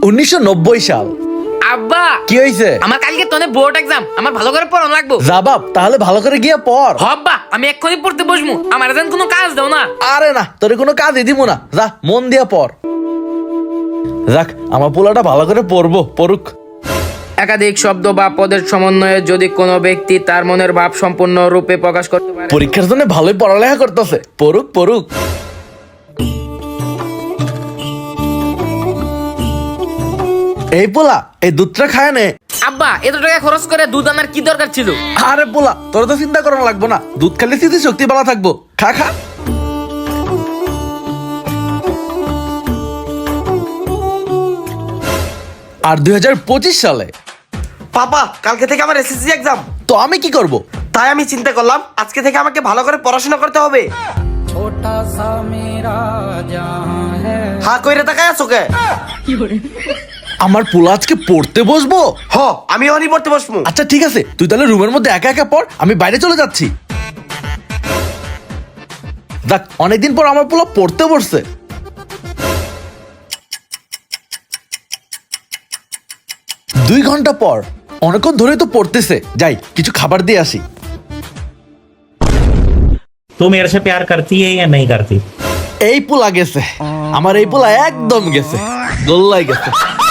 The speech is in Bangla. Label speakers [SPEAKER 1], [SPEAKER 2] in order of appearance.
[SPEAKER 1] 1990 সাল।
[SPEAKER 2] আব্বা
[SPEAKER 1] কি হয়েছে?
[SPEAKER 2] আমার কালকে তোনে বোর্ড এক্সাম, আমার ভালো করে পড়ানো লাগবো।
[SPEAKER 1] যা বাপ, তাহলে ভালো করে গিয়ে পড়।
[SPEAKER 2] আব্বা আমি এক্ষুনি পড়তে বসবো, আমার যেন কোনো কাজ দাও না।
[SPEAKER 1] আরে না, তোর কোনো কাজই দিব না, যা মন দিয়া পড়। যাক, আমার পোলাটা ভালো করে পড়ুক।
[SPEAKER 2] একাধিক শব্দ বা পদের সমন্বয়ে যদি কোনো ব্যক্তি তার মনের ভাব সম্পূর্ণ রূপে প্রকাশ করতে পারে।
[SPEAKER 1] পরীক্ষার জন্য ভালোই পড়ালেখা করতেছে, পড়ুক। এই পোলা, এই দুধটা খায় নে।
[SPEAKER 2] আব্বা এত টাকা খরচ করে দুধ আনার কি দরকার ছিল?
[SPEAKER 1] আরে পোলা, তোর তো চিন্তা করা লাগবো না, দুধ খেলে স্মৃতি শক্তি ভালো থাকবো। খা। আর 2025 সালে
[SPEAKER 3] পাপা কালকে থেকে আমার এসএসসি এক্সাম,
[SPEAKER 1] তো আমি কি করব?
[SPEAKER 3] তাই আমি চিন্তা করলাম আজকে থেকে আমাকে ভালো করে পড়াশোনা করতে হবে। হ্যাঁ কইরে তাকায় আছো কে?
[SPEAKER 1] আমার পোলা আজকে পড়তে বসবো।
[SPEAKER 3] হ আমি অনি পড়তে বসবো।
[SPEAKER 1] আচ্ছা ঠিক আছে, তুই তাহলে রুমের মধ্যে একা একা পড়, আমি বাইরে চলে যাচ্ছি। দেখ, অনেকদিন পর আমার পোলা পড়তে বসছে। দুই ঘন্টা পর, অনেকক্ষণ ধরে তো পড়তেছে, যাই কিছু খাবার দিয়ে আসি।
[SPEAKER 4] तू मेरे से प्यार करती है या नहीं करती?
[SPEAKER 1] এই পোলা গেছে, আমার এই পোলা একদম গেছে, গোল্লাই গেছে।